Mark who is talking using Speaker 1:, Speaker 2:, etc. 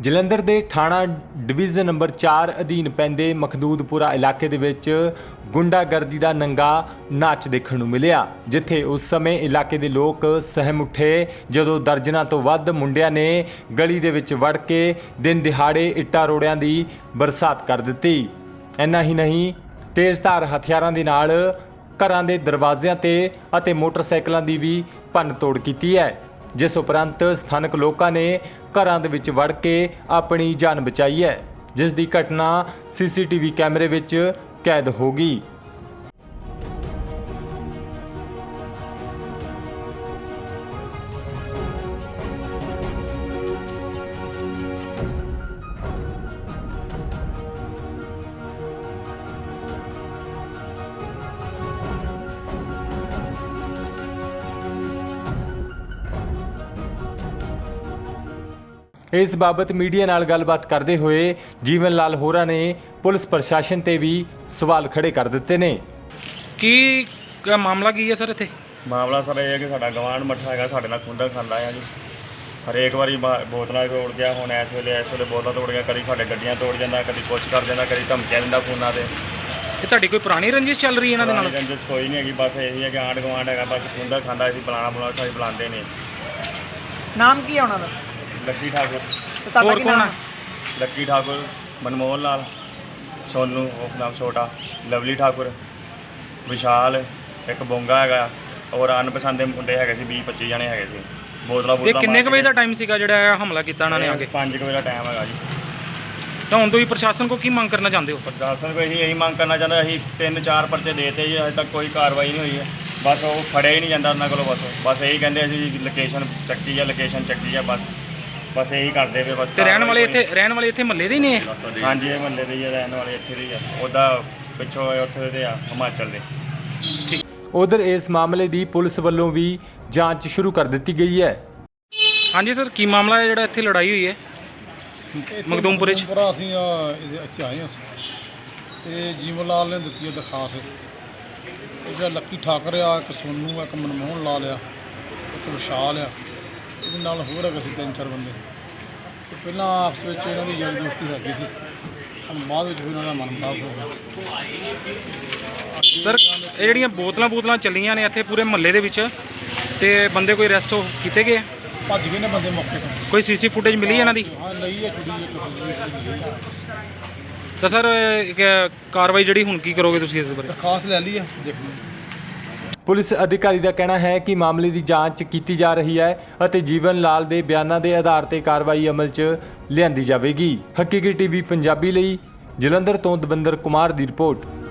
Speaker 1: ਜਲੰਧਰ ਦੇ ਥਾਣਾ division number 4 ਅਧੀਨ ਪੈਂਦੇ ਮਖਦੂਦਪੁਰਾ ਇਲਾਕੇ ਦੇ ਵਿੱਚ ਗੁੰਡਾਗਰਦੀ ਦਾ ਨੰਗਾ ਨਾਚ ਦੇਖਣ ਨੂੰ ਮਿਲਿਆ, ਜਿੱਥੇ ਉਸ ਸਮੇਂ ਇਲਾਕੇ ਦੇ ਲੋਕ ਸਹਿਮ ਉੱਠੇ ਜਦੋਂ ਦਰਜਨਾਂ ਤੋਂ ਵੱਧ ਮੁੰਡਿਆਂ ਨੇ ਗਲੀ ਦੇ ਵਿੱਚ ਵੜ ਕੇ ਦਿਨ ਦਿਹਾੜੇ ਇੱਟਾਂ ਰੋੜਿਆਂ ਦੀ ਬਰਸਾਤ ਕਰ ਦਿੱਤੀ। ਇੰਨਾ ਹੀ ਨਹੀਂ, ਤੇਜ਼ਧਾਰ ਹਥਿਆਰਾਂ ਦੇ ਨਾਲ ਘਰਾਂ ਦੇ ਦਰਵਾਜ਼ਿਆਂ ਤੇ ਅਤੇ ਮੋਟਰਸਾਈਕਲਾਂ ਦੀ ਵੀ ਭੰਨ ਤੋੜ ਕੀਤੀ ਹੈ, ਜਿਸ ਉਪਰੰਤ ਸਥਾਨਕ ਲੋਕਾਂ ਨੇ ਘਰਾਂ ਦੇ ਵਿੱਚ ਵੜ ਕੇ ਆਪਣੀ ਜਾਨ ਬਚਾਈ ਹੈ, ਜਿਸ ਦੀ ਘਟਨਾ ਸੀਸੀਟੀਵੀ ਕੈਮਰੇ ਵਿੱਚ ਕੈਦ ਹੋ ਗਈ। इस बाबत मीडिया नाल गलबात करते हुए जीवन लाल होरा ने पुलिस प्रशासन ते भी सवाल खड़े कर दिते ने।
Speaker 2: की मामला की है सर इत्थे?
Speaker 3: मामला सर ये है कि साडा गवांढ मट्ठा है, साडे नाल खुंदा खांदा है जी। हरेक वारी बोतलां तोड़ गया, हुण इस वेले बोतलां तोड़ गया, कभी साडे गड्डियां तोड़ जांदा, कभी कुछ कर जांदा, कभी धमकियां दिंदा फोनां ते।
Speaker 2: ये तुहाडी कोई पुरानी रंजिश चल रही है इन्हां दे नाल?
Speaker 3: रंजिश कोई नहीं हैगी, बस यही है कि आंढ गवांढ हैगा, बस खुंदा खांदा असीं बुलाना असीं बुलांदे ने।
Speaker 4: नाम की है उन्हां दा?
Speaker 3: लक्की ठाकुर।
Speaker 2: और कौन है?
Speaker 3: लक्की ठाकुर, मनमोहन लाल, सोनू उस नाम छोटा, लवली ठाकुर, विशाल, एक बोंगा है और अनपसंद मुंडे है 20-25 जने है। बोतला
Speaker 2: ये किन्ने क बजे दा टाइम सीगा जिहड़ा हमला कीता इन्हां ने आके?
Speaker 3: 5 बजे का टाइम है जी।
Speaker 2: तो हुण तुसीं प्रशासन को की मंग करना चाहते हो?
Speaker 3: प्रशासन को यही मंग करना चाहते, असीं 3-4 परचे देते जी, अजे तक कोई कार्रवाई नहीं हुई है। बस वो फड़िया ही नहीं जाता उन्होंने को, बस यही कहते असीं लोकेशन चक्की है, बस यही करते पे। बस
Speaker 2: रहने वाले इत्थे महल्ले दे ही ने?
Speaker 3: हाँ जी, ये महल्ले दे रहने वाले इत्थे दे उदा पिछों उत्थे दे हिमाचल दे।
Speaker 1: उधर इस मामले की पुलिस वालों भी जांच शुरू कर दी गई है।
Speaker 2: हाँ जी सर, की मामला है जिहड़ा इत्थे लड़ाई हुई है मखदूमपुरे च?
Speaker 5: ਅਸੀਂ ਇੱਥੇ ਆਏ ਅਸੀਂ ਤੇ ਜੀਵਨ ਲਾਲ ਨੇ ਦਿੱਤੀ ਹੈ ਦਰਖਾਸਤ। ਇਹ ਜਿਹੜਾ ਲੱਕੀ ਠਾਕਰ ਆ, ਇੱਕ ਸੋਨੂ ਆ, ਇੱਕ ਮਨਮੋਹਨ ਲਾਲ ਆ, ਇੱਕ ਵਿਸ਼ਾਲ ਆ, ਇਹਦੇ ਨਾਲ ਹੋਰ ਹੈਗੇ ਸੀ 3-4 ਬੰਦੇ। ਤੇ ਪਹਿਲਾਂ ਆਪਸ ਵਿੱਚ ਇਹਨਾਂ ਦੀ ਯਾਰੀ ਦੋਸਤੀ ਹੈਗੀ ਸੀ, ਹੁਣ ਬਾਅਦ ਵਿੱਚ ਵੀ ਇਹਨਾਂ ਦਾ ਮਨਮੁਟਾਵ ਹੋ ਗਿਆ।
Speaker 2: ਸਰ ਇਹ ਜਿਹੜੀਆਂ ਬੋਤਲਾਂ ਚੱਲੀਆਂ ਨੇ ਇੱਥੇ ਪੂਰੇ ਮਹੱਲੇ ਦੇ ਵਿੱਚ, ਤੇ ਬੰਦੇ ਕੋਈ ਅਰੈਸਟ ਕੀਤੇ ਗਏ?
Speaker 5: ਭੱਜ ਗਏ ਨੇ ਬੰਦੇ ਮੌਕੇ ਤੋਂ।
Speaker 2: ਕੋਈ ਸੀਸੀ ਫੁਟੇਜ ਮਿਲੀ ਇਹਨਾਂ ਦੀ?
Speaker 5: ਹਾਂ ਲਈ ਹੈ, ਛੁੱਟੀ
Speaker 2: ਤਾਂ ਸਰ ਕਾਰਵਾਈ ਜਿਹੜੀ ਹੁਣ ਕੀ ਕਰੋਗੇ ਤੁਸੀਂ ਇਸ ਬਾਰੇ?
Speaker 5: ਦਰਖਾਸਤ ਲੈ ਲਈ ਹੈ, ਦੇਖ ਲਓ।
Speaker 1: पुलिस अधिकारी का कहना है कि मामले की जांच की जा रही है और जीवन लाल के बयानों के आधार पर कार्रवाई अमल च लिआंदी जाएगी। हकीकी टीवी पंजाबी लई जलंधर तो दविंदर कुमार की रिपोर्ट।